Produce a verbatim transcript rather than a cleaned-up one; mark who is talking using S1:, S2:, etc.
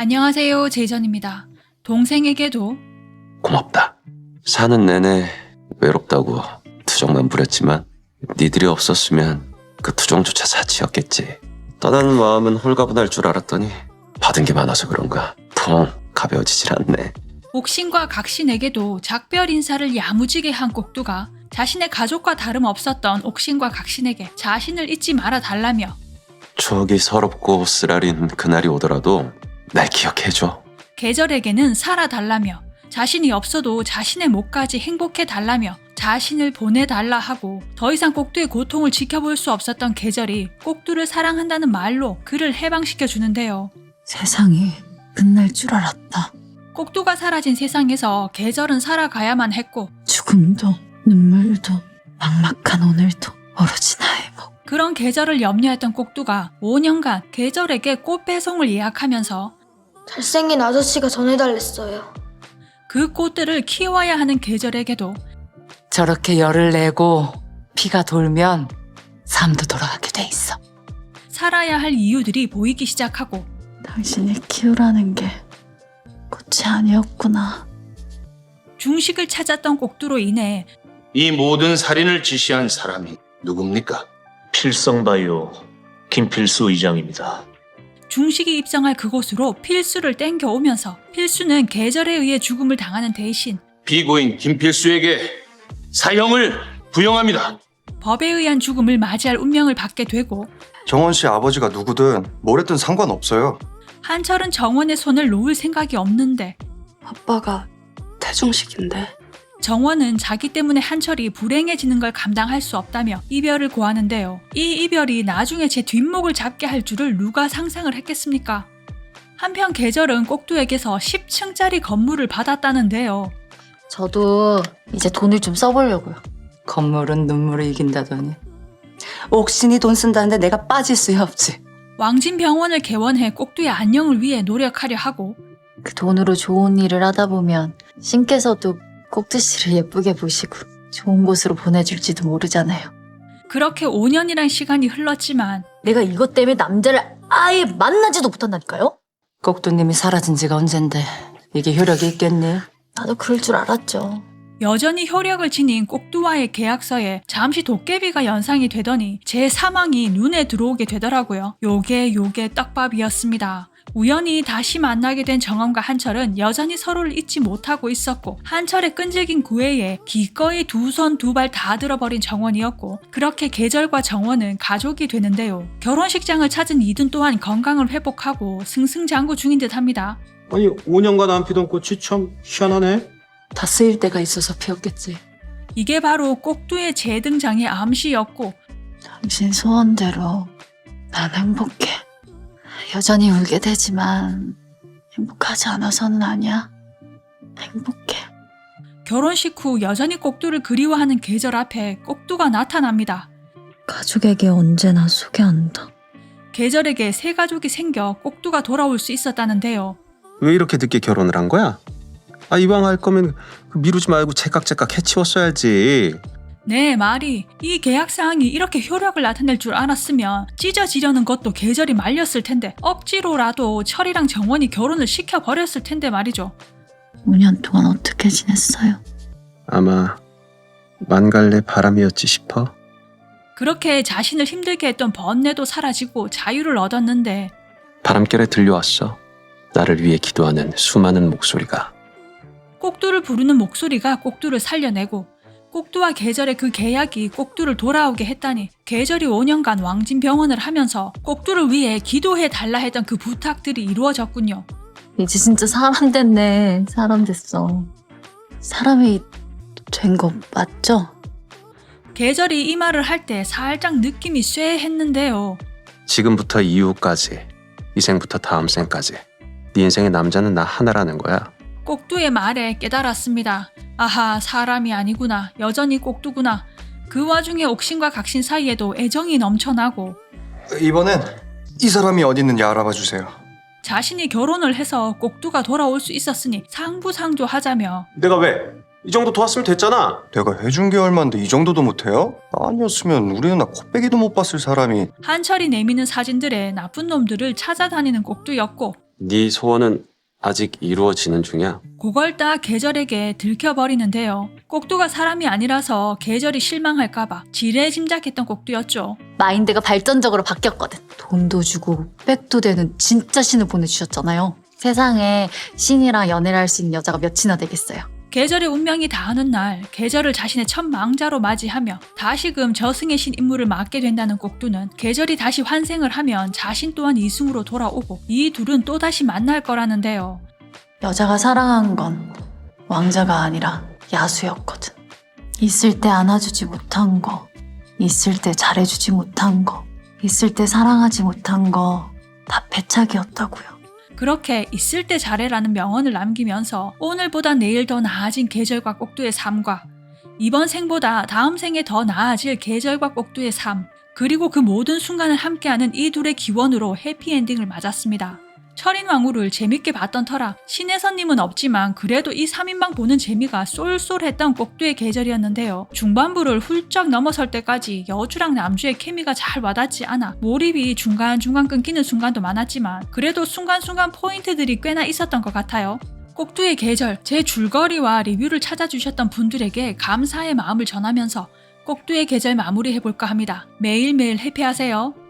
S1: 안녕하세요, 제이전입니다. 동생에게도
S2: 고맙다. 사는 내내 외롭다고 투정만 부렸지만 니들이 없었으면 그 투정조차 사치였겠지. 떠나는 마음은 홀가분할 줄 알았더니 받은 게 많아서 그런가 통 가벼워지질 않네.
S1: 옥신과 각신에게도 작별 인사를 야무지게 한 꼭두가 자신의 가족과 다름없었던 옥신과 각신에게 자신을 잊지 말아 달라며
S2: 추억이 서럽고 쓰라린 그날이 오더라도 날 기억해줘.
S1: 계절에게는 살아달라며 자신이 없어도 자신의 몫까지 행복해 달라며 자신을 보내달라 하고 더 이상 꼭두의 고통을 지켜볼 수 없었던 계절이 꼭두를 사랑한다는 말로 그를 해방시켜 주는데요.
S3: 세상이 끝날 줄 알았다.
S1: 꼭두가 사라진 세상에서 계절은 살아가야만 했고
S3: 죽음도 눈물도 막막한 오늘도 오로지 나의 몫.
S1: 그런 계절을 염려했던 꼭두가 오 년간 계절에게 꽃 배송을 예약하면서
S4: 잘생긴 아저씨가 전해달랬어요.
S1: 그 꽃들을 키워야 하는 계절에게도
S3: 저렇게 열을 내고 피가 돌면 삶도 돌아가게 돼 있어.
S1: 살아야 할 이유들이 보이기 시작하고
S3: 당신을 키우라는 게 꽃이 아니었구나.
S1: 중식을 찾았던 꼭두로 인해
S5: 이 모든 살인을 지시한 사람이 누굽니까?
S6: 필성바이오 김필수 의장입니다.
S1: 중식이 입성할 그곳으로 필수를 땡겨오면서 필수는 계절에 의해 죽음을 당하는 대신
S5: 피고인 김필수에게 사형을 부영합니다.
S1: 법에 의한 죽음을 맞이할 운명을 받게 되고
S7: 정원 씨 아버지가 누구든 뭘 했든 상관없어요.
S1: 한철은 정원의 손을 놓을 생각이 없는데
S8: 아빠가 태중식인데.
S1: 정원은 자기 때문에 한철이 불행해지는 걸 감당할 수 없다며 이별을 고하는데요. 이 이별이 나중에 제 뒷목을 잡게 할 줄을 누가 상상을 했겠습니까? 한편 계절은 꼭두에게서 십 층짜리 건물을 받았다는데요.
S9: 저도 이제 돈을 좀 써보려고요.
S3: 건물은 눈물을 이긴다더니 옥신이 돈 쓴다는데 내가 빠질 수야 없지.
S1: 왕진병원을 개원해 꼭두의 안녕을 위해 노력하려 하고
S9: 그 돈으로 좋은 일을 하다 보면 신께서도 꼭두 씨를 예쁘게 보시고 좋은 곳으로 보내줄지도 모르잖아요.
S1: 그렇게 오 년이란 시간이 흘렀지만
S9: 내가 이것 때문에 남자를 아예 만나지도 못한다니까요?
S3: 꼭두님이 사라진 지가 언젠데 이게 효력이 있겠니?
S9: 나도 그럴 줄 알았죠.
S1: 여전히 효력을 지닌 꼭두와의 계약서에 잠시 도깨비가 연상이 되더니 제 사망이 눈에 들어오게 되더라고요. 요게 요게 떡밥이었습니다. 우연히 다시 만나게 된 정원과 한철은 여전히 서로를 잊지 못하고 있었고 한철의 끈질긴 구애에 기꺼이 두 손 두 발 다 들어버린 정원이었고 그렇게 계절과 정원은 가족이 되는데요. 결혼식장을 찾은 이든 또한 건강을 회복하고 승승장구 중인 듯합니다.
S10: 아니 오 년간 안 피던 꽃이 참 희한하네.
S3: 다 쓰일 때가 있어서 피었겠지.
S1: 이게 바로 꼭두의 재등장의 암시였고
S3: 당신 소원대로 난 행복해.
S9: 여전히 울게 되지만 행복하지 않아서는 아니야. 행복해.
S1: 결혼식 후 여전히 꼭두를 그리워하는 계절 앞에 꼭두가 나타납니다.
S3: 가족에게 언제나 소개한다.
S1: 계절에게 새 가족이 생겨 꼭두가 돌아올 수 있었다는데요.
S10: 왜 이렇게 늦게 결혼을 한 거야? 아 이왕 할 거면 미루지 말고 제깍제깍 해치웠어야지.
S1: 내 말이 이 계약사항이 이렇게 효력을 나타낼 줄 알았으면 찢어지려는 것도 계절이 말렸을 텐데 억지로라도 철이랑 정원이 결혼을 시켜버렸을 텐데 말이죠.
S3: 오 년 동안 어떻게 지냈어요?
S10: 아마 만갈래 바람이었지 싶어.
S1: 그렇게 자신을 힘들게 했던 번뇌도 사라지고 자유를 얻었는데
S2: 바람결에 들려왔어. 나를 위해 기도하는 수많은 목소리가.
S1: 꼭두를 부르는 목소리가 꼭두를 살려내고 꼭두와 계절의 그 계약이 꼭두를 돌아오게 했다니 계절이 오 년간 왕진병원을 하면서 꼭두를 위해 기도해 달라 했던 그 부탁들이 이루어졌군요.
S9: 이제 진짜 사람 됐네. 사람 됐어.
S3: 사람이 된 거 맞죠?
S1: 계절이 이 말을 할 때 살짝 느낌이 쇠했는데요.
S2: 지금부터 이후까지, 이 생부터 다음 생까지 네 인생의 남자는 나 하나라는 거야.
S1: 꼭두의 말에 깨달았습니다. 아하, 사람이 아니구나. 여전히 꼭두구나. 그 와중에 옥신과 각신 사이에도 애정이 넘쳐나고
S7: 이번엔 이 사람이 어디 있는지 알아봐 주세요.
S1: 자신이 결혼을 해서 꼭두가 돌아올 수 있었으니 상부상조하자며
S10: 내가 왜? 이 정도 도왔으면 됐잖아.
S7: 내가 해준 게 얼만데 이 정도도 못해요? 아니었으면 우리 누나 코빼기도 못 봤을 사람이.
S1: 한철이 내미는 사진들에 나쁜 놈들을 찾아다니는 꼭두였고
S2: 네 소원은 아직 이루어지는 중이야.
S1: 그걸 다 계절에게 들켜버리는데요. 꼭두가 사람이 아니라서 계절이 실망할까봐 지레 짐작했던 꼭두였죠.
S9: 마인드가 발전적으로 바뀌었거든. 돈도 주고 백도 되는 진짜 신을 보내주셨잖아요. 세상에 신이랑 연애를 할 수 있는 여자가 몇이나 되겠어요.
S1: 계절의 운명이 닿는 날 계절을 자신의 첫 망자로 맞이하며 다시금 저승의 신 임무를 맡게 된다는 꼭두는 계절이 다시 환생을 하면 자신 또한 이승으로 돌아오고 이 둘은 또다시 만날 거라는데요.
S9: 여자가 사랑한 건 왕자가 아니라 야수였거든. 있을 때 안아주지 못한 거, 있을 때 잘해주지 못한 거, 있을 때 사랑하지 못한 거 다 패착이었다고요.
S1: 그렇게 있을 때 잘해라는 명언을 남기면서 오늘보다 내일 더 나아진 계절과 꼭두의 삶과 이번 생보다 다음 생에 더 나아질 계절과 꼭두의 삶, 그리고 그 모든 순간을 함께하는 이 둘의 기원으로 해피엔딩을 맞았습니다. 철인왕후를 재밌게 봤던 터라 신혜선님은 없지만 그래도 이 삼 인방 보는 재미가 쏠쏠했던 꼭두의 계절이었는데요. 중반부를 훌쩍 넘어설 때까지 여주랑 남주의 케미가 잘 와닿지 않아 몰입이 중간중간 끊기는 순간도 많았지만 그래도 순간순간 포인트들이 꽤나 있었던 것 같아요. 꼭두의 계절, 제 줄거리와 리뷰를 찾아주셨던 분들에게 감사의 마음을 전하면서 꼭두의 계절 마무리해볼까 합니다. 매일매일 해피하세요.